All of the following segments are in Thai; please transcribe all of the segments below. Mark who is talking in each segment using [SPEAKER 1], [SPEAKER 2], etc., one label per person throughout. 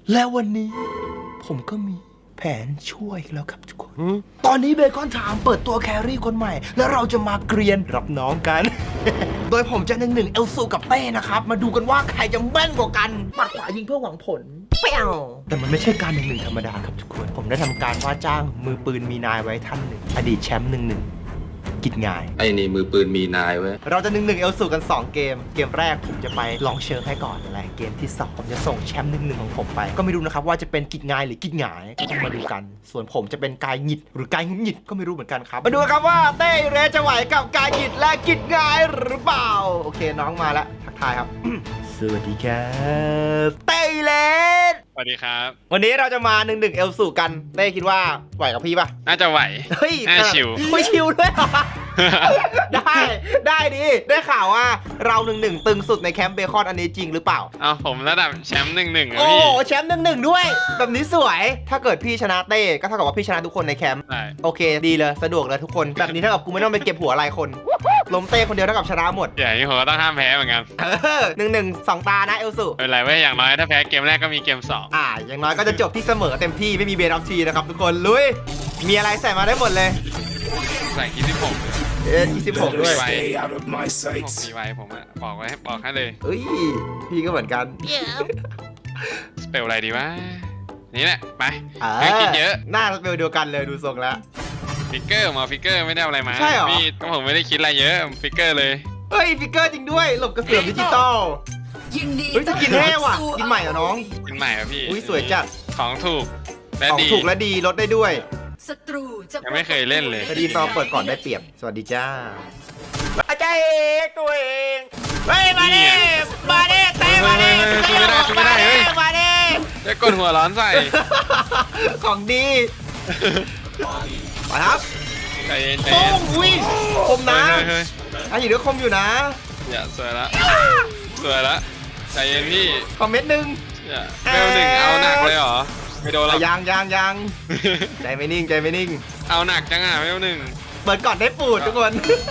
[SPEAKER 1] และวันนี้ผมก็มีแผนช่วยแล้วครับทุกคน ตอนนี้เบคอนไทม์เปิดตัวแครี่คนใหม่ แล้วเราจะมาเกรียนรับน้องกัน โดยผมจะ1-1เอลซูกับเต้นะครับ มาดูกันว่าใครจะแม่นกว่ากันปัดขวายิงเพื่อหวังผลเปี้ยวแต่มันไม่ใช่การ1-1ธรรมดาครับทุกคน ผมได้ทำการว่าจ้างมือปืนมีนายไว้ท่านหนึ่งอดีตแชมป์1-1กิจง่าย
[SPEAKER 2] ไอ้นี่มือปืนมีนายเว้ย
[SPEAKER 1] เราจะ1-1เอลสูกัน2เกมเกมแรกผมจะไปลองเชิงให้ก่อนอะไรเกมที่2ผมจะส่งแชมป์1-1ของผมไปก็ไม่รู้นะครับว่าจะเป็นกิจงายหรือกิจหงายก็ต้องมาดูกัน ส่วนผมจะเป็นกายหงิดหรือกายหงิดก็ไม่รู้เหมือนกันครับมาดูครับว่าเต้เรจะไหวกับกายหงิดและกิจงายหรือเปล่าโอเคน้องมาแล้วทักทายครับ สวัสดีครับเต้เลส
[SPEAKER 3] สวัสดีครับ
[SPEAKER 1] วันนี้เราจะมา1-1เอลสูกันเต้คิดว่าไหวกับพี่ปะ
[SPEAKER 3] น่าจะไหว
[SPEAKER 1] เฮ้ย
[SPEAKER 3] น่าชิว
[SPEAKER 1] ไม่ชิวด้วยเหรอ ได้ดีได้ข่าวว่าเรา1-1ตึงสุดในแคมป์เบคอนอันนี้จริงหรือเปล่า
[SPEAKER 3] เอาผมระดับแชมป์1-1อะ
[SPEAKER 1] โอ้
[SPEAKER 3] พี่
[SPEAKER 1] แชมป์1-1ด้วย แบบนี้สวย ถ้าเกิดพี่ชนะเต้ก็เท่ากับว่าพี่ชนะทุกคนในแคมป์
[SPEAKER 3] ใช่
[SPEAKER 1] โอเคดีเลยสะดวกเลยทุกคนแบบนี้เท่ากับกูไม่ต้องไปเก็บหัวรายคนล้มเต้คนเดียวเท่ากับชนะหมด
[SPEAKER 3] อย่างนี้ผมก็ต้องห้ามแพ้เหมือนกัน
[SPEAKER 1] 1-1 2 ตานะเอลสุ
[SPEAKER 3] ไม่เป็นไรเว้ยอย่างน้อยถ้าแพ้เกมแรกก็มีเกม2
[SPEAKER 1] อย่างน้อยก็จะจบที่เสมอเต็มที่ไม่มีเบรอฟทีนะครับทุกคนลุยมีอะไรใส่มาได้หมดเลย
[SPEAKER 3] ใส่คิดที่ผม
[SPEAKER 1] 26ด้วย
[SPEAKER 2] Stay out of my
[SPEAKER 3] ผม
[SPEAKER 2] sights
[SPEAKER 3] มีไว้ผมอะบอกให้เลย
[SPEAKER 1] เอ้ยพี่ก็เหมือนกัน
[SPEAKER 3] สเปลอะไรดีวะนี่แหละไป
[SPEAKER 1] อ่า
[SPEAKER 3] ไม่คิดเยอะ
[SPEAKER 1] หน้าสเปลเดียวกันเลยดูทรงแล้ว
[SPEAKER 3] ฟิกเกอร์มาฟิกเกอร์ไม่ได้เอาอะไรมา
[SPEAKER 1] ใช่เหรอ
[SPEAKER 3] พี่ผมไม่ได้คิดอะไรเยอะฟิกเกอร์เลย
[SPEAKER 1] เฮ้ยฟิกเกอร์จริงด้วยหลบกระเสือดิจิตอล
[SPEAKER 4] ยินดี
[SPEAKER 1] เฮ้ยจะกินแห้ว่ะกินใหม่เหรอน้อง
[SPEAKER 3] กินใหม่อะพี่
[SPEAKER 1] อุ้ยสวยจัด
[SPEAKER 3] ของถูกและ
[SPEAKER 1] ของ
[SPEAKER 3] ดี
[SPEAKER 1] ถูกและดีลดได้ด้วย
[SPEAKER 4] ศัตรูจะ
[SPEAKER 3] ยังไม่เคยเล่นเลย
[SPEAKER 1] คดีซอเปิดก่อนได้เปรียบสวัสดีจ้าอาจารย์เอกตัวเองเฮ้ยมาดิมาดิเต้มาดิ
[SPEAKER 3] ไม่ได้เฮ้ย
[SPEAKER 1] มาดิ
[SPEAKER 3] จะกดหัวร้อนใส่
[SPEAKER 1] ของดีมาครับ
[SPEAKER 3] ใจเย็นใจ
[SPEAKER 1] โป้
[SPEAKER 3] เย็น
[SPEAKER 1] งอุ้ยคมนะ
[SPEAKER 3] เฮ้ย
[SPEAKER 1] อันนี้เดี๋ยวคมอยู่นะ
[SPEAKER 3] อย่าสวยละสวยละใจเย็นพี่
[SPEAKER 1] คอมเมนต์หนึ่ง
[SPEAKER 3] อย่าเบลหนึ่งเอาหนักเลยเหรอไม่โดนหรอก
[SPEAKER 1] ยังใจไม่นิ่งใจไม่นิ่ง
[SPEAKER 3] เอาหนักจังอ่ะเบลหนึ่ง
[SPEAKER 1] เปิดก่อนได้ปูดทุกคน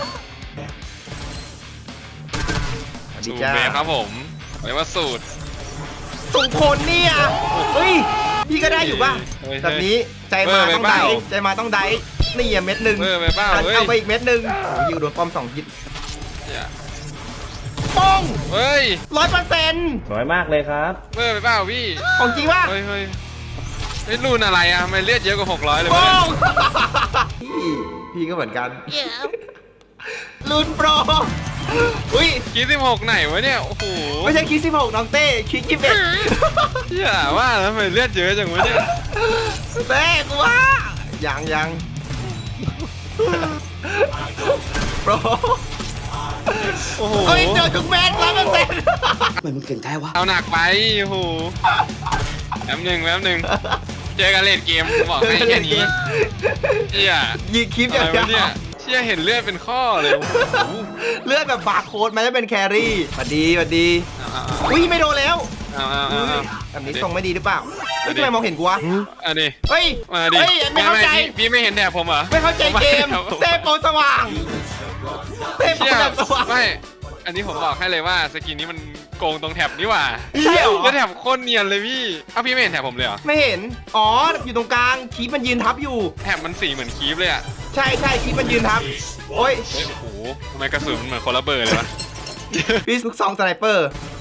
[SPEAKER 1] สวัสดี
[SPEAKER 3] สูตร
[SPEAKER 1] จ้า
[SPEAKER 3] เบลครับผมเรียกว่าสูตร
[SPEAKER 1] ส่งผลเนี่ยเฮ้ยพี่ก็ได้อยู่ป่ะ
[SPEAKER 3] เฮ้ย
[SPEAKER 1] แบบนี้ใจมาต้องได้ใจมาต้องได้นี่เม็ดหนึ่ง
[SPEAKER 3] เบอร์ไปเปล่าเฮ้ย
[SPEAKER 1] เอาไปอีกเม็ดหนึ่งยิวโดนป้อม2 ฮิต
[SPEAKER 3] อย่า
[SPEAKER 1] ป้อง
[SPEAKER 3] เฮ้ย
[SPEAKER 1] 100%
[SPEAKER 5] น้อยมากเลยครับ
[SPEAKER 3] เบอร์ไปเปล่าพี่
[SPEAKER 1] ของจริงป่ะ
[SPEAKER 3] เฮ้ยรุ่นอะไรอ่ะทำไมเลือดเยอะกว่า600เลยวะ
[SPEAKER 1] ป้
[SPEAKER 3] เนี่
[SPEAKER 1] อย งพี่ก็เหมือนกันลุ้นโปรอุ้ย
[SPEAKER 3] คิด16ไหนวะเนี่ยโอ้โห
[SPEAKER 1] ไม่ใช่คิด16น้องเต้คิด21
[SPEAKER 3] อย่าว่าแล้วทำไมเลือดเยอะจังวะเนี่ย
[SPEAKER 1] เต้กูว่ายังโปร
[SPEAKER 3] โอ้โห
[SPEAKER 1] เฮ้ยเจอทุกเม็ด100%
[SPEAKER 3] เอาหนักไปโอ้โหแป๊บหนึ่งเจอกันเลดเกมบอกให้แค่นี้เชี่ย
[SPEAKER 1] ยิงคลิป
[SPEAKER 3] อะ
[SPEAKER 1] อย่า
[SPEAKER 3] ไรง วะ
[SPEAKER 1] เดี
[SPEAKER 3] เนี่ย
[SPEAKER 1] วย
[SPEAKER 3] เชี่ยเห็นเลือดเป็นข้อเลยโอ้โห
[SPEAKER 1] เลือดแบบบาร์โค้ดมันจะเป็นแครี่สวัสดี
[SPEAKER 3] เอา
[SPEAKER 1] อุ้ยไม่โดนแล้ว
[SPEAKER 3] เอา
[SPEAKER 1] แบบนี้ทรงไม่ดีหรือเปล่าเฮ้ยทำไมมองเห็นกูวะ
[SPEAKER 3] อันนี้
[SPEAKER 1] เฮ้ย
[SPEAKER 3] มาดิ
[SPEAKER 1] เฮ้ยไม่เข้าใจ
[SPEAKER 3] พี่ไม่เห็นแถบผมเหรอ
[SPEAKER 1] ไม่เข้าใจเกมเต้โปรสว่างเต้โปร
[SPEAKER 3] เชี่ย
[SPEAKER 1] แบบสว่าง
[SPEAKER 3] ไม่อันนี้ผมบอกให้เลยว่าสกินนี้มันโกงตรงแถบนี่หว่า
[SPEAKER 1] ใช่เหรอ
[SPEAKER 3] แล้วแถบโคตรเนียนเลยพี่เอ้าพี่ไม่เห็นแถบผมเลยเหรอ
[SPEAKER 1] ไม่เห็นอ๋ออยู่ตรงกลางคีปมันยืนทับอยู่
[SPEAKER 3] แถบมันสีเหมือนคีฟเลยอ่ะ
[SPEAKER 1] ใช่คีปมันยืนทับโอ้ย
[SPEAKER 3] เฮ้ยโอ้โหทำไมกระสุนมันเหมือนคนละเบอร์เลยวะ
[SPEAKER 1] พี่ลูกซองสไนเปอร์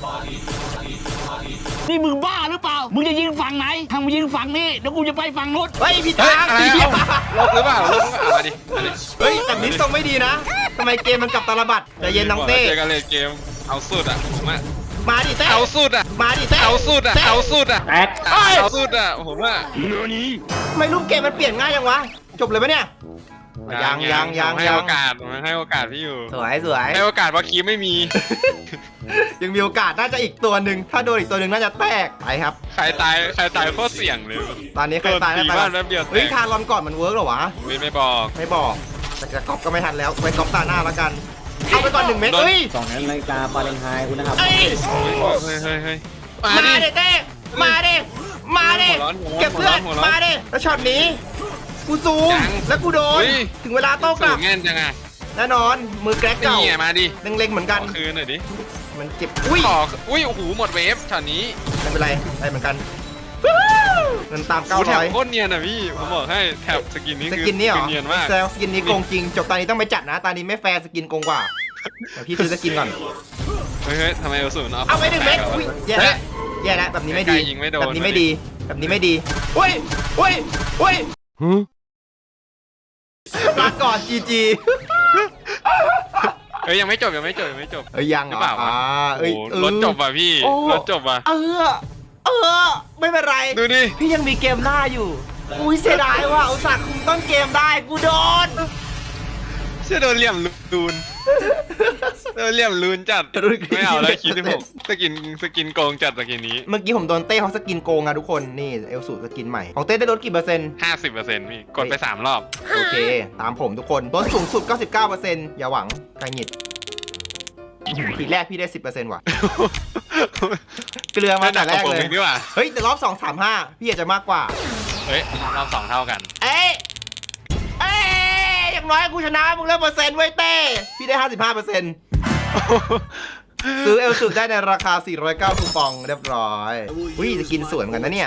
[SPEAKER 6] นี่มึงบ้าหรือเปล่า มึงจะยิงฝั่งไหนทางมึงยิงฝั่งนี้ เดี๋ยวกูจะไปฝั่งนู้น
[SPEAKER 1] เฮ้ยพี่
[SPEAKER 3] เฮ้ย
[SPEAKER 1] ทาง
[SPEAKER 3] อะไร
[SPEAKER 1] พี่
[SPEAKER 3] เอาลบหรือเปล่าลบหรือเปล่าเอามาดิ
[SPEAKER 1] เฮ้ยแบบนี้ทรงไม่ดีนะทำไมเกมมันกลับตาลบัดใจเย็นน้องเต้
[SPEAKER 3] เจอกันเลยเกมเอาสุดอ่ะผมอ่ะ
[SPEAKER 1] มาดิเต้
[SPEAKER 3] เอาสุดอ่ะ
[SPEAKER 1] มาดิเต้
[SPEAKER 3] เอาสุดอ่ะ
[SPEAKER 1] เต้
[SPEAKER 3] เอาสุดอ่ะ
[SPEAKER 5] แตก
[SPEAKER 3] เอาสุดอ่ะผมอ่ะ
[SPEAKER 1] ทำไมรูปเกมมันเปลี่ยนง่ายยังวะจบเลยปะเนี่ยยัง
[SPEAKER 3] ให้โอกาสผมให้โอกาสพี่อยู่
[SPEAKER 1] สวย
[SPEAKER 3] ให้โอกาสเพราะคีฟไม่มี
[SPEAKER 1] ยังมีโอกาสน่าจะอีกตัวหนึ่งถ้าโดนอีกตัวหนึ่งน่าจะแตกไปครับ
[SPEAKER 3] ใครตายโคตรเสี่ยงเลย
[SPEAKER 1] ตอนนี้ใครตาย
[SPEAKER 3] โดนตี
[SPEAKER 1] แล้ว
[SPEAKER 3] บ้านแป๊บเดียวแตก
[SPEAKER 1] เฮ้ยทารอนก่อนมันเวิร์กเหรอวะ
[SPEAKER 3] ไม่บอก
[SPEAKER 1] ไม่บอกแต่จะก๊อปก็ไม่ทันแล้วไปก๊อปตาหน้าแล้วกันเอาไปก่อน1 เม็ดเฮ้ย
[SPEAKER 5] 2 นาฬิกาฟาเรนไฮต์คุณนะครับ
[SPEAKER 1] เอ้ย
[SPEAKER 3] เฮ้ย
[SPEAKER 1] มา
[SPEAKER 3] มาดิ
[SPEAKER 1] ดิเต้มาดิเก็บเพื่อนมาดิแล้วช็อตนี้กูซูมแล้วกูโดนถึงเวลาโต้ก
[SPEAKER 3] สู
[SPEAKER 1] ลับ
[SPEAKER 3] งแง่นจังอ่ะ
[SPEAKER 1] แน่นอนมือแกรกเก่า
[SPEAKER 3] นี่ไงมาดิ
[SPEAKER 1] เล็งๆเหมือนกัน
[SPEAKER 3] คืนหน่อยดิ
[SPEAKER 1] มันเจ็บอุ้ย
[SPEAKER 3] ขออุ้ยโอ้โหหมดเวฟช็อตนี้
[SPEAKER 1] ไม่เป็นไรได้เหมือนกันเงินตาม
[SPEAKER 3] แถบโค
[SPEAKER 1] 900
[SPEAKER 3] ตรเนียนอ่ะพี่ผมบอกให้แถบสกินนี้
[SPEAKER 1] ส
[SPEAKER 3] คือ
[SPEAKER 1] กินนี่เหรอ
[SPEAKER 3] เนียนมาก
[SPEAKER 1] แซวสกินนี้โกงจริงจบตอนนี้ต้องไปจัดนะตอนนี้ไม่แฟร์สกินโกงกว่าเดี๋ยวพี่ซื้อสกินก่อน
[SPEAKER 3] เฮ้ยทำไมเอลสูน
[SPEAKER 1] เอาไป1 เม็ดอุ้ยแย่แล้วแย่แล้วแบบนี้ไม่ดี
[SPEAKER 3] ยิงไม่โดน
[SPEAKER 1] แบบนี้ไม่ดีแบบนี้ไม่ดีอุ้ยอุ้ยอุ้ยลาก่อนจีจี
[SPEAKER 3] เฮ้ยยังไม่จบยังไม่จบ
[SPEAKER 1] เอ้ยยัง
[SPEAKER 3] หรือเปล่าวะ
[SPEAKER 1] เอ้ย
[SPEAKER 3] โอ้รถจบว่ะพี่
[SPEAKER 1] โอ้
[SPEAKER 3] รถจบว่ะ
[SPEAKER 1] ไม่เป็นไร
[SPEAKER 3] ดูดิ
[SPEAKER 1] พี่ยังมีเกมหน้าอยู่อุ้ยเสียดายว่ะอุตส่าห์คุมต้นเกมได้กูโดน
[SPEAKER 3] เชื่อโดนเหลี่ยมลูนโดนเหลี่ยมลูนจัดไม่เอาแล้วคิดที่ผมสกินโกงจัดสกินนี้
[SPEAKER 1] เมื่อกี้ผมโดนเต้เขาสกินโกงอะทุกคนนี่เอลสูสกินใหม่ของเต้ได้ลดกี่เปอร์เซ็นต์
[SPEAKER 3] 50%พี่กดไป3 รอบ
[SPEAKER 1] โอเค ตามผมทุกคนลดสูงสุด 99%อย่าหวังกระหงิดทีแรกพี่ได้ 10%ว่ะ เกลือมาแต่แรกเลย
[SPEAKER 3] ดีกว่า
[SPEAKER 1] เฮ้ยแต่รอบ 2 3 5 พี่อาจจะมากกว่า
[SPEAKER 3] เฮ้ยรอบ2เท่ากัน
[SPEAKER 1] เอ้ยอย่างน้อยกูชนะมึงแล้วเปอร์เซ็นต์ไว้เต้พี่ได้ 55%ซื้อเอลสูได้ในราคา 409 คูปองเรียบร้อยอุ้ยจะกินสวยเหมือนกันนะเนี่ย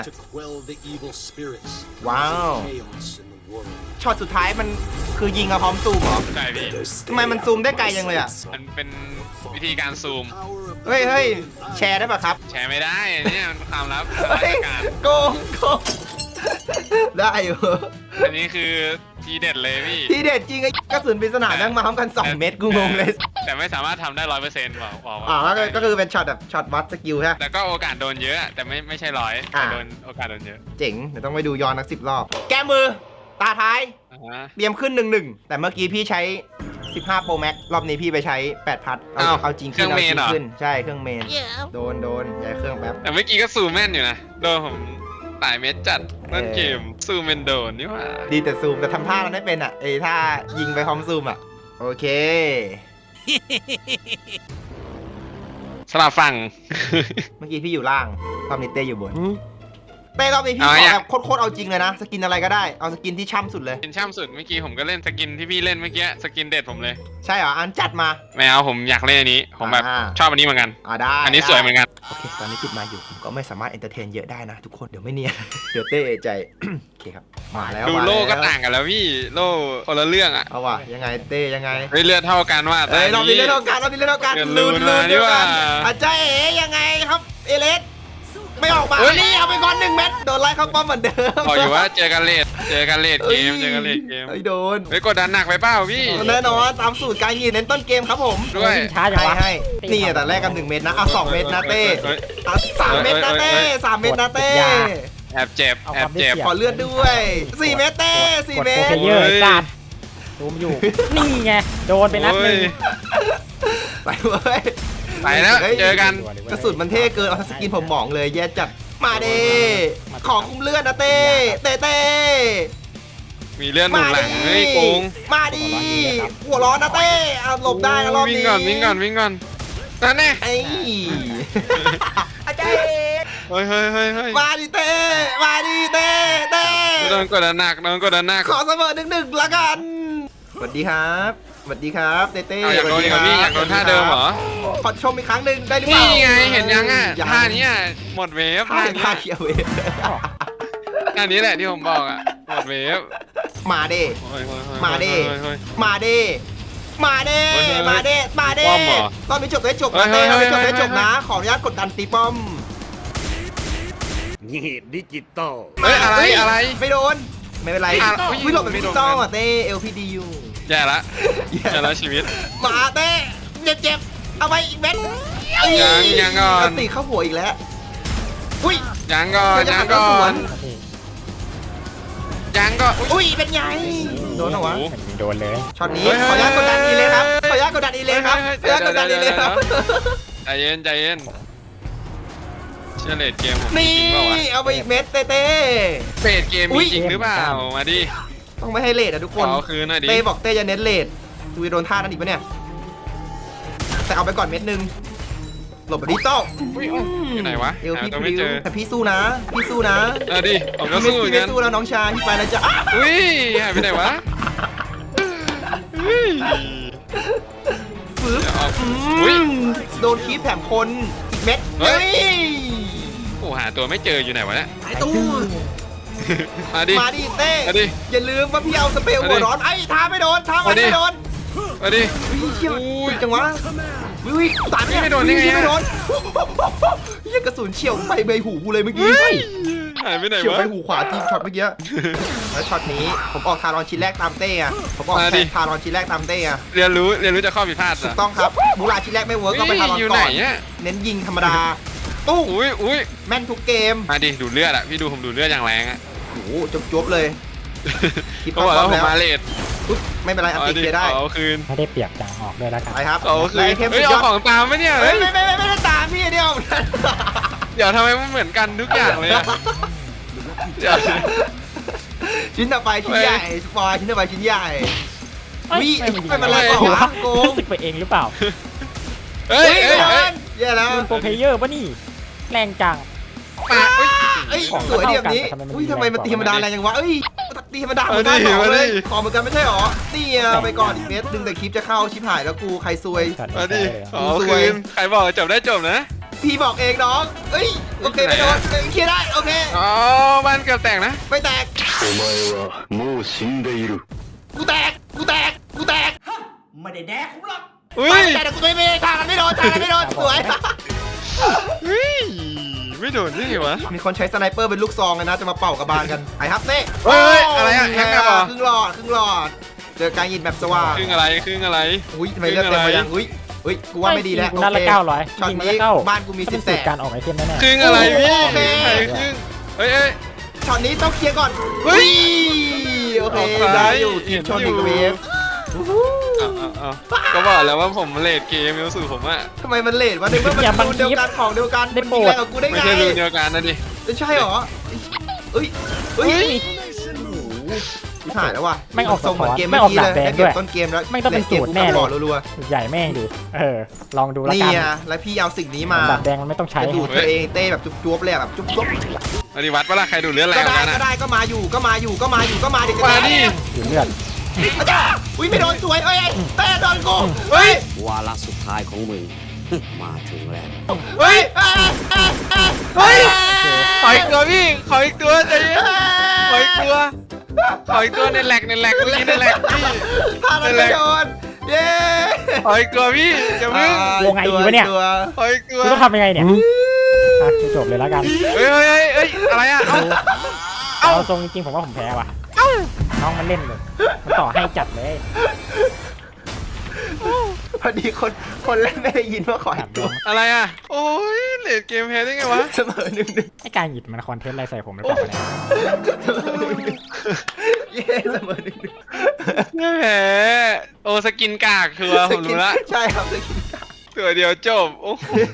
[SPEAKER 1] ว้าว ช็อตสุดท้ายมันคือยิงกับพร้อมซูมเหรอ
[SPEAKER 3] ใช่พี่
[SPEAKER 1] ทำไมมันซูมได้ไกลยังเลยอ่ะ
[SPEAKER 3] มันเป็นวิธีการซูม
[SPEAKER 1] เฮ้ยแชร์ได้ป่ะครับ
[SPEAKER 3] แชร์ไม่ได้เนี่ยมันความลับทาง
[SPEAKER 1] เฮ้
[SPEAKER 3] ราย ชการ
[SPEAKER 1] โกงได้อยู่
[SPEAKER 3] อันนี้คือทีเด็ดเลยพี่
[SPEAKER 1] ที่เด็ดจริงไอ้กระสุนปริศนาแม่งมาพร้อมกัน 2 เม็ดกูงงเลย
[SPEAKER 3] แต่ไม่สามารถทำได้100%บอก
[SPEAKER 1] ก็คือเป็นช็อตแบบช็อตวัดสกิลใช่ไหม
[SPEAKER 3] แล้วก็โอกาสโดนเยอะแต่ไม่ใช่ร้อย
[SPEAKER 1] อ่า
[SPEAKER 3] โดนโอกาสโดนเยอะ
[SPEAKER 1] เจ๋งเดี๋ยวต้องไปดูย้อนนัก10 รอบ แก้มือ ตาท้าย
[SPEAKER 3] อ่าฮะ
[SPEAKER 1] เตรียมขึ้น 1-1 แต่เมื่อกี้พี่ใช้ 15 Pro Max รอบนี้พี่ไปใช้ 8 พัดเอาจริงขึ้นเอาจริงขึ้นใช่เครื่องเมนโดนย้ายเครื่องแป๊บ
[SPEAKER 3] แต่เมื่อกี้ก็ซูมแม่นอยู่นะโดนผมตายเม็ดจัดนั่นเกมซูมเป็นโดนนี่หว่า
[SPEAKER 1] ดีแต่ซูมแต่ทำท่าเราไม่เป็นอ่ะท่ายิงไปพร้อมซูมอ่ะโอเค
[SPEAKER 3] สลับฝั่ง
[SPEAKER 1] เมื่อกี้พี่อยู่ล่างรอบนี้เต้อยู่บนเต้รอบนี้พี่ข
[SPEAKER 3] เอา
[SPEAKER 1] อ
[SPEAKER 3] อย่าง
[SPEAKER 1] แบบโคตรเอาจริงเลยนะสกินอะไรก็ได้เอาสกินที่ช่ำสุดเลย
[SPEAKER 3] เป็นช่ำสุดเมื่อกี้ผมก็เล่นสกินที่พี่เล่นเมื่อกี้สกินเด็ดผมเลย
[SPEAKER 1] ใช่เหรออันจัดมา
[SPEAKER 3] ไม่เอาผมอยากเล่นอันนี้ผมแบบ
[SPEAKER 1] อ่า
[SPEAKER 3] ชอบอันนี้เหมือนกัน
[SPEAKER 1] ได้
[SPEAKER 3] อันนี้สวยเหมือนกัน
[SPEAKER 1] โอเคตอนนี้ปิดมาอยู่ผมก็ไม่สามารถเอนเตอร์เทนเยอะได้นะทุกคนเดี๋ยวไม่เนียน เดี๋ยวเต้เอะใจ โอเคครับมาแล้ว
[SPEAKER 3] ดู
[SPEAKER 1] มา
[SPEAKER 3] โล่ก็
[SPEAKER 1] แล้ว
[SPEAKER 3] ต่างกันแล้วพี่โล่คนละเรื่องอ่ะ
[SPEAKER 1] เอาว่ะยังไงเต้ยังไง
[SPEAKER 3] เฮ้ยเลือดเท่ากันว่า
[SPEAKER 1] เอ้ยรอบนี้เล่นเท่ากันรอบนี้เล่นเท่ากัน
[SPEAKER 3] เกินลืมมา
[SPEAKER 1] เดียวกัน
[SPEAKER 3] นี่ว่า
[SPEAKER 1] อาจารย์เอ๋ยังไงครับเอเลสไม่ออกมานี่เอาไปก่อน1 เม็ดโดนไล่เข้าป้อมเหมือนเดิม
[SPEAKER 3] บอกอยู่ว่าเจอกันเลทเกมเจอกันเลทเกม
[SPEAKER 1] ไอ้โดน
[SPEAKER 3] เฮ้ยกดดันหนักไปเปล่าพี่
[SPEAKER 1] แน่นอนตามสูตรการยิงเน้นต้นเกมครับผม
[SPEAKER 3] ด้วย
[SPEAKER 5] ช้าจังวะ
[SPEAKER 1] ให้นี่แต่แรกกัน1 เม็ดนะเอา2 เม็ดนะเต้
[SPEAKER 3] เฮ้ย
[SPEAKER 1] เอา3 เม็ดนะเต้3 เม็ดนะเต้
[SPEAKER 3] แอบเจ็บ
[SPEAKER 5] เอา
[SPEAKER 3] แอ
[SPEAKER 5] ความ
[SPEAKER 3] บ
[SPEAKER 5] ได้
[SPEAKER 3] เจ็บ
[SPEAKER 5] เสีย
[SPEAKER 1] ขอเลือดด้วย4 เม็ดเต้4 เม็
[SPEAKER 5] โอ
[SPEAKER 1] ด
[SPEAKER 5] เคเยอะไอ้สัตว์ซูมอยู่ นี่ไง โดนไปนัดหนึง
[SPEAKER 1] ไปเว้ย
[SPEAKER 3] ไปแล้วเจอกัน
[SPEAKER 1] กระสุนมันเท่เกินเอาสกินผมหมองเลยแย่จัดมาเด้ขอคุมเลือดนะเต้เต้
[SPEAKER 3] มีเลื่อนหนุนหลังเฮ้ยโกง
[SPEAKER 1] มาดิหัวร้อนนะเต้เอาหลบได้นะรอบนี้
[SPEAKER 3] วิ่งก่อนนั่นแน่
[SPEAKER 1] ไอ้อาจารย์
[SPEAKER 3] เฮ้ย
[SPEAKER 1] มาดิเต้มาดิเต้เต้
[SPEAKER 3] โดนกดดันหนัก
[SPEAKER 1] ขอเสมอ1-1ละกันสวัสดีครับสวัสดีครับเต้
[SPEAKER 3] เอาอยากโดนอีกเหรอพี่อยากโดนท่าเดิมเหรอ
[SPEAKER 1] ขอชมอีกครั้งหนึ่งได้หรือเปล่า
[SPEAKER 3] นี่ไงเห็นยังอ่ะท่านี้อ่ะหมดเวฟ
[SPEAKER 1] ท่า
[SPEAKER 3] ท่า
[SPEAKER 1] เขียวเว
[SPEAKER 3] ท่านี้แหละที่ผมบอกอ่ะหมดเวฟ
[SPEAKER 1] มาเด้ มาดิ
[SPEAKER 3] เฮ้ย
[SPEAKER 1] มาเด้มาเด้
[SPEAKER 3] เฮ้ย
[SPEAKER 1] มาเด้มาเด้
[SPEAKER 3] ป้อมเหรอ
[SPEAKER 1] ตอนนี้จบได้จบ
[SPEAKER 3] เฮ้
[SPEAKER 1] นะ
[SPEAKER 3] ย
[SPEAKER 1] เต้
[SPEAKER 3] เฮ้
[SPEAKER 1] เรา
[SPEAKER 3] ย
[SPEAKER 1] ไม่จบได้
[SPEAKER 3] เฮ้ย
[SPEAKER 1] จบนะ ขออนุญาตกดดันตีป้อม
[SPEAKER 6] นี่ดิจิตอล
[SPEAKER 3] เฮ้ยอะไร
[SPEAKER 1] ไม่โดน ไม่เป็นไร
[SPEAKER 3] อ่ะ
[SPEAKER 1] วิโรดแบบ
[SPEAKER 3] ไม่
[SPEAKER 1] ดิ
[SPEAKER 3] โด
[SPEAKER 1] จิ
[SPEAKER 3] น
[SPEAKER 1] ตอลอ่ะเต้ LPD อยู่
[SPEAKER 3] แย่ละแย่ละชีวิต
[SPEAKER 1] มาเต้เจ็บเอาไปอีกเม็ด
[SPEAKER 3] ยังก่อน
[SPEAKER 1] ตีเข้าหัวอีกแล้ว อุ้ย
[SPEAKER 3] ยังก่อน
[SPEAKER 1] จะหักกระสวน
[SPEAKER 3] ยังก็
[SPEAKER 1] อุ้ยเป็นไง โดนเหรอวะ
[SPEAKER 5] โดนเลย
[SPEAKER 1] ช็อตนี้
[SPEAKER 3] เฮ้ย
[SPEAKER 1] ขออนุญาตกดดันอีเลยครับ ขออนุญาตกดดันอีเลยครับขออนุญาตกดดันอีเลยครับ
[SPEAKER 3] ใจเย็นเชื่อเลดเกมผมจ
[SPEAKER 1] นี่
[SPEAKER 3] ริงเปล่าวะ
[SPEAKER 1] เอาไปอีกเม็ดเต้เต้
[SPEAKER 3] เฟดเกม
[SPEAKER 1] อุ๊
[SPEAKER 3] มี
[SPEAKER 1] ย
[SPEAKER 3] จริงหรือเปล่ามาดิ
[SPEAKER 1] ต้องไม่ให้เลทอะทุกคน
[SPEAKER 3] เอาคืนหน่อยดิ
[SPEAKER 1] เต้บอกเต้จะเน้นเลทดูจะโดนท่านั้นอีกปะเนี่ย แต่เอาไปก่อนเม็ดนึง หลบแบบดิจิตอล
[SPEAKER 3] อยู่ไหนวะ
[SPEAKER 1] เอว
[SPEAKER 3] หา
[SPEAKER 1] พี่
[SPEAKER 3] ตัว
[SPEAKER 1] พ
[SPEAKER 3] ไม่
[SPEAKER 1] ริ้
[SPEAKER 3] เจ
[SPEAKER 1] ว
[SPEAKER 3] อ
[SPEAKER 1] แต่พี่สู้นะ พี่สู้นะ
[SPEAKER 3] เอาดิผมก็
[SPEAKER 1] พี่
[SPEAKER 3] สู้เหมือน
[SPEAKER 1] ไม่
[SPEAKER 3] กัน
[SPEAKER 1] สู้แล้วน้องชายพี่ไปแล้วจ้ะ
[SPEAKER 3] อุ้ยหายไปไหนวะอุ้ย
[SPEAKER 1] ฟื้น
[SPEAKER 3] เดี๋ยวเอาอุ้ย
[SPEAKER 1] โดนคีบแถมคนอีกเม็ด
[SPEAKER 3] เฮ้
[SPEAKER 1] เฮ้
[SPEAKER 3] ย
[SPEAKER 1] ย
[SPEAKER 3] โอ้หาตัวไม่เจออยู่ไหนวะเนี่ย
[SPEAKER 1] หายตู้
[SPEAKER 3] มาดิ
[SPEAKER 1] มาดิเต้
[SPEAKER 3] มาดิ
[SPEAKER 1] อย่าลืมว่าพี่เอาสเปรย์หัวร้อนไอ้ท้าไม่โดนท้ามันไม่โดน
[SPEAKER 3] มาดิ
[SPEAKER 1] วิเชี่ย
[SPEAKER 3] อุ้ย
[SPEAKER 1] จังวะวิตายไหมเนี่ย
[SPEAKER 3] ไม่โดนได้ไงอะ
[SPEAKER 1] ไม่โดนเหี้ยกระสุนเฉี่ยวไปใบหูกูเลยเมื่อกี้
[SPEAKER 3] เฮ้ยหายไปไหน
[SPEAKER 1] เฉี่ยว
[SPEAKER 3] วะ
[SPEAKER 1] ไปหูขวาจริงช็อตเมื่อกี้แล้วช็อตนี้ผมออกทารอนชิ้นแรกตามเต้อะผมออก
[SPEAKER 3] มาดิ
[SPEAKER 1] ทารอนชิ้นแรกตามเต้อะ
[SPEAKER 3] เรียนรู้จากข้อผิดพลาด
[SPEAKER 1] ถูกต้องครับมูลาชิ้นแรกไม่เวิร์กก็ไปทารอน
[SPEAKER 3] อยู่
[SPEAKER 1] ก่
[SPEAKER 3] ไหน
[SPEAKER 1] อน
[SPEAKER 3] อ่ะ
[SPEAKER 1] เน้นยิงธรรมดาตู้
[SPEAKER 3] อุ้ย
[SPEAKER 1] แม่นทุกเกม
[SPEAKER 3] มาดิดูดเลือดอ่ะพี่ดูผมดูดเลือดอย่างแรงอ่ะ
[SPEAKER 1] โอ้โหจบเลย คิด
[SPEAKER 3] เขาบอกแล้ว
[SPEAKER 1] พ
[SPEAKER 3] ผ
[SPEAKER 1] ร้อ
[SPEAKER 3] ม
[SPEAKER 1] มแล้ว
[SPEAKER 3] มาเลท
[SPEAKER 1] อุ๊ยไม่เป็นไรอันติเคลียร์ได้
[SPEAKER 3] เอาคืน
[SPEAKER 5] ไม่ได้เปียกจางออกด้วยแล้วกัน
[SPEAKER 1] ไปครับ
[SPEAKER 3] เอาคืน
[SPEAKER 1] ไอเทม
[SPEAKER 3] เฮ้
[SPEAKER 1] สุ
[SPEAKER 3] ย
[SPEAKER 1] ดย
[SPEAKER 3] เอา
[SPEAKER 1] อด
[SPEAKER 3] ของตามไหมเนี่ย
[SPEAKER 1] เฮ้
[SPEAKER 3] เฮ้
[SPEAKER 1] ย
[SPEAKER 3] ย
[SPEAKER 1] ไม่ได้ตามพี่เดียว
[SPEAKER 3] เดี๋ยวทำไมมันเหมือนกันทุกอย่างเลยอะเดี๋ยว
[SPEAKER 1] ชิ้นต่อไปชิ้นใหญ่สปอยชิ้นต่อไปชิ้นใหญ่
[SPEAKER 5] เอ้ย
[SPEAKER 1] วิ
[SPEAKER 5] ไม่มี
[SPEAKER 1] ไม่เป็นไร
[SPEAKER 3] ไม่
[SPEAKER 1] ก่อนวะโกง
[SPEAKER 5] รู้สึกไปเองหรือเปล่า
[SPEAKER 3] เฮ้ย
[SPEAKER 1] เฮ้ย
[SPEAKER 3] เฮ้ย
[SPEAKER 1] ไม่โดนแย่แล้ว
[SPEAKER 5] ลืมโปรเพลเยอร์ปะนี่แรงจัง
[SPEAKER 3] มาเฮ้ย
[SPEAKER 1] เอ้ย
[SPEAKER 5] ของ
[SPEAKER 1] สวยดีแบบนี้
[SPEAKER 5] เท่ากันแต่ทำไมมัน
[SPEAKER 1] อุ้ยทำไมมันตีธรรมดา
[SPEAKER 5] แรงกว่า
[SPEAKER 1] แรงจังวะเอ้ยตีธรรมดาเหมือนกัน
[SPEAKER 3] เอาดิ
[SPEAKER 1] บอกเลย
[SPEAKER 3] เอาดิ
[SPEAKER 1] ขอเหมือนกันไม่ใช่หรอนี่อะไปก่อนอีกเม็ดดึงแต่คลิปจะเข้าชิบหายแล้วกูใครซวย
[SPEAKER 3] มาดิ
[SPEAKER 1] ส
[SPEAKER 3] เอา
[SPEAKER 1] วย
[SPEAKER 3] คืนใครบอกจบได้จบนะ
[SPEAKER 1] พี่บอกเองน้องเอ้ยโอเคไม่โดนเคลียร์ได้โอเค
[SPEAKER 3] อ๋อบ้านเกือบแตกนะ
[SPEAKER 1] ไม่แตก
[SPEAKER 7] お前はもう死んでいる。
[SPEAKER 1] กูแตก
[SPEAKER 3] อุ้ย
[SPEAKER 1] แต่กูไม่ทางกันไม่โดนสวย
[SPEAKER 3] เฮ้ยไม่โดนได้ไงวะ
[SPEAKER 1] มีคนใช้สไนเปอร์เป็นลูกซองกันนะจะมาเป่ากระบาลกันไอ้ฮับเต้
[SPEAKER 3] เฮ้ยอะไรอะแฮกแมปเหรอ
[SPEAKER 1] ครึ่งหลอดเจอการยิงแบบสว่าง
[SPEAKER 3] ครึ่งอะไรครึ่งอะไร
[SPEAKER 1] อุ้ยทำไมเลือดเต็มไปยังอุ้ยกูว่าไม่ดีแล้ว
[SPEAKER 5] กูนัดละ
[SPEAKER 1] โอเค
[SPEAKER 5] 900
[SPEAKER 1] ช็อต
[SPEAKER 5] ยิงมา
[SPEAKER 1] นี้
[SPEAKER 5] ละเก้า
[SPEAKER 1] บ้านกูมี
[SPEAKER 5] เป็
[SPEAKER 1] สิ
[SPEAKER 5] น
[SPEAKER 1] บ
[SPEAKER 5] สู
[SPEAKER 1] แต
[SPEAKER 5] ตร
[SPEAKER 1] ก
[SPEAKER 5] การออกไอเทมแน่
[SPEAKER 3] ครึ่งอะไรพี่
[SPEAKER 1] โอเค
[SPEAKER 3] ใครครึ่งเฮ้ย
[SPEAKER 1] ช็อตนี้ต้องเคลียร์ก่อน
[SPEAKER 3] เฮ้ย
[SPEAKER 1] โอเค
[SPEAKER 3] ออกซ้าย
[SPEAKER 1] ได้อยู่ทีมชนอีกเวฟ
[SPEAKER 3] เอาก็บอกแล้วว่าผมเลดเกมรู้สึกผมอะ
[SPEAKER 1] ทำไมมันเลทวะในเมื่อมันรูนเดียวกันของเดียวกันมันยิงแรงกับกูได้
[SPEAKER 3] ไม่
[SPEAKER 1] ไง
[SPEAKER 3] ใช่รูนเดียวกันนะดิ
[SPEAKER 1] ใช่เหรอเอ้ย หายแล้วว่ะ
[SPEAKER 5] ไม่ออก
[SPEAKER 1] ทรงเหมือนเกม
[SPEAKER 5] ไม่
[SPEAKER 1] เมื่
[SPEAKER 5] อ
[SPEAKER 1] อ
[SPEAKER 5] อก
[SPEAKER 1] กี้
[SPEAKER 5] หลั
[SPEAKER 1] เลยได้เก็
[SPEAKER 5] งแดงด้
[SPEAKER 1] บ
[SPEAKER 5] วย
[SPEAKER 1] ต้นเกมแล้ว
[SPEAKER 5] ไม่ต้องเป็นสูตรแน่
[SPEAKER 1] บ
[SPEAKER 5] เล
[SPEAKER 1] อย กรัว
[SPEAKER 5] ใหญ่แม่งดิลองดู
[SPEAKER 1] ๆ
[SPEAKER 5] ละ
[SPEAKER 1] นี่
[SPEAKER 5] กัน
[SPEAKER 1] อ่ะแล้วพี่เอาสิ่งนี้มา
[SPEAKER 5] ดับแดงมันไม่ต้องใช้
[SPEAKER 1] จะดูดตัวเองเต้แบบจุ๊บๆเลยอะแบบจุ๊บ
[SPEAKER 3] อันนี้วัดปะล่ะใครดูดเลือด
[SPEAKER 1] ๆ
[SPEAKER 3] แร
[SPEAKER 1] ก็
[SPEAKER 3] ง
[SPEAKER 1] ได้
[SPEAKER 3] กัน
[SPEAKER 1] ก็
[SPEAKER 3] อะ
[SPEAKER 1] ได้ก็มาอยู่เดี๋ยวจะ
[SPEAKER 3] มาดิ
[SPEAKER 5] อยู่เลือด
[SPEAKER 1] อาจารย์อุ้ยไม่โดนสวยเอ้ยเต้โดนกู
[SPEAKER 3] เฮ้ย
[SPEAKER 8] วาระสุดท้ายของมึง มาถึงแล้ว
[SPEAKER 3] เฮ้ยเฮ้ยขออีกตัวพี่ขออีกตัวใจเย็นขออีกตัวในแหลกเมื่อกี้ในแหลกพี่
[SPEAKER 1] พามันไม่โดนเย้
[SPEAKER 3] ขออีกตัวพี่จะมึง
[SPEAKER 5] วงไงดีวะเนี่ย
[SPEAKER 1] ตัว
[SPEAKER 3] ขออีกตัว
[SPEAKER 5] กูต้องทำยังไงเนี่ยจบเลยแล้วกัน
[SPEAKER 3] เฮ้ยอะไรอะ
[SPEAKER 5] เอาทรงจริงๆผมว่าผมแพ้ว่ะน้องมันเล่นเลยมันต่อให้จัดเลย
[SPEAKER 1] พอดีคนเล่นไม่ได้ยินว่าขออีกตัว
[SPEAKER 3] อะไรอะโอ้ยเลดเกมแพ้ได้ไงวะ
[SPEAKER 1] เสมอหนึ่ง
[SPEAKER 5] ไอการหยิบมันคอนเทนต์อะไรใส่ผมหรือเปล่าเนี่ย
[SPEAKER 1] เย้เสมอหนึ่ง
[SPEAKER 3] แพ้โอ้สกินกากชัวร์ผมรู้ละ
[SPEAKER 1] ใช่ครับสกิน
[SPEAKER 3] ตัวเดียวจบโอ้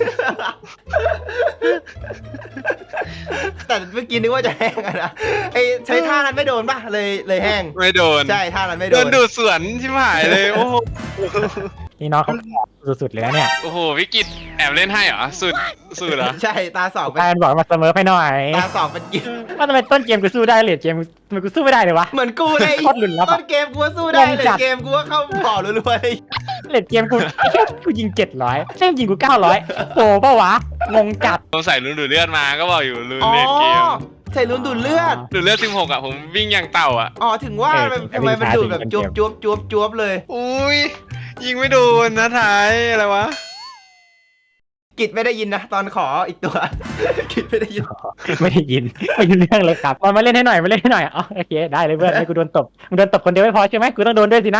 [SPEAKER 1] แต่เมื่อกี้นึกว่าจะแห้งอะนะไอใช้ท่านั้นไม่โดนป่ะเลยแห้ง
[SPEAKER 3] ไม่โดน
[SPEAKER 1] ใช่ท่านั้นไม่โด
[SPEAKER 3] โด
[SPEAKER 1] น
[SPEAKER 3] นดูดสวนชิบหายเลยโอ้โห
[SPEAKER 5] นี่น้องเขาสุดๆเลยนะเนี่ย
[SPEAKER 3] โอ้โหวิกิตแอบเล่นให้เหรอสุดเหรอ
[SPEAKER 1] ใช่ตาสองเป็น
[SPEAKER 5] แฟนบอกมาเสมอไปหน่อย
[SPEAKER 1] ตาสองเป็นกิน
[SPEAKER 5] ว่าทำไมต้นเกมกูสู้ได้เลดเกมทำไมกูสู้ไม่ได้เลยวะ
[SPEAKER 1] เหมือนกูเลย
[SPEAKER 5] โคตรหลุดลับอะ
[SPEAKER 1] ต้นเกมกูก็สู้ได้
[SPEAKER 5] งง
[SPEAKER 1] เลย
[SPEAKER 5] จัด
[SPEAKER 1] เกมกูก็เข้าบ่อรัวๆเลย
[SPEAKER 5] เลดเกมกูกูยิง700แม่งยิงกู900โอ้ป่าวะงงจัด
[SPEAKER 3] ผมใส่รุนดูดเลือดมาก็บอกอยู่รุน
[SPEAKER 1] อ๋อ
[SPEAKER 3] เล่นเกม
[SPEAKER 1] ใส่ลุ้นดูดเลือด
[SPEAKER 3] ดูดเลือด16อ่ะผมวิ่งอย่างเต่าอ่ะ
[SPEAKER 1] อ๋อถึงว่าทำไมมันดูดแบบจวบเลย
[SPEAKER 3] อุ้ยยิงไม่โดนนะท้ายอะไรวะ
[SPEAKER 1] กิจไม่ได้ยินนะตอนขออีกตัว กิจไม่ได้ยิน
[SPEAKER 5] ไม่ได้ยินไม่ยินเรื่องเลยครับมาเล่นให้หน่อยอ๋อโอเคได้เลยเพื่อนให้กูโดนตบมึงโดนตบคนเดียวไม่พอใช่ไหมกูต้องโดนด้วยสินะ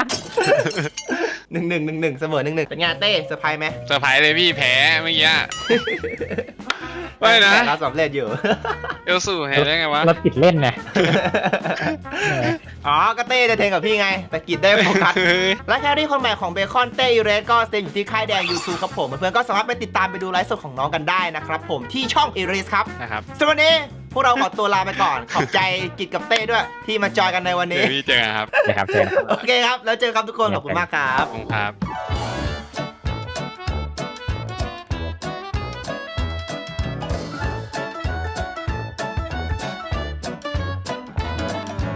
[SPEAKER 1] 1-1เสมอ 1-1เป็นไงเต้เซอร์ไพรส์ไหม
[SPEAKER 3] เซอร์ไพรส์เลยพี่แพ้เมื่อกี้อะ ไม่นะ
[SPEAKER 1] แต่เราสำเร็จอยู่
[SPEAKER 3] เอลสูแพ้ได้ไงวะ
[SPEAKER 5] เราติดเล่นไง
[SPEAKER 1] อ๋อก็เต้จะเทงกับพี่ไง แต่กิจได้โฟกัส และแครี่คนใหม่ของเบคอนเต้ยูเรสก็สเตย์อยู่ที่ค่ายแดง YouTube ครับผมเพื่อนๆก็สามารถไปติดตามไปดูไลฟ์สดของน้องกันได้นะครับผมที่ช่องอีเรสครับ
[SPEAKER 3] นะครับ
[SPEAKER 1] สำหรับวันนี้พวกเราขอตัวลาไปก่อน ขอบใจกิจกับเต้ด้วยที่มาจอยกันในวัน
[SPEAKER 3] เดี๋
[SPEAKER 1] นี้
[SPEAKER 3] ยวพี่เจอกันครับ
[SPEAKER 5] นะครับเชิญครับ
[SPEAKER 1] โอเคครับ แล้วเจอกันทุกคนขอบคุณมากครับ
[SPEAKER 3] ขอบคุณครับ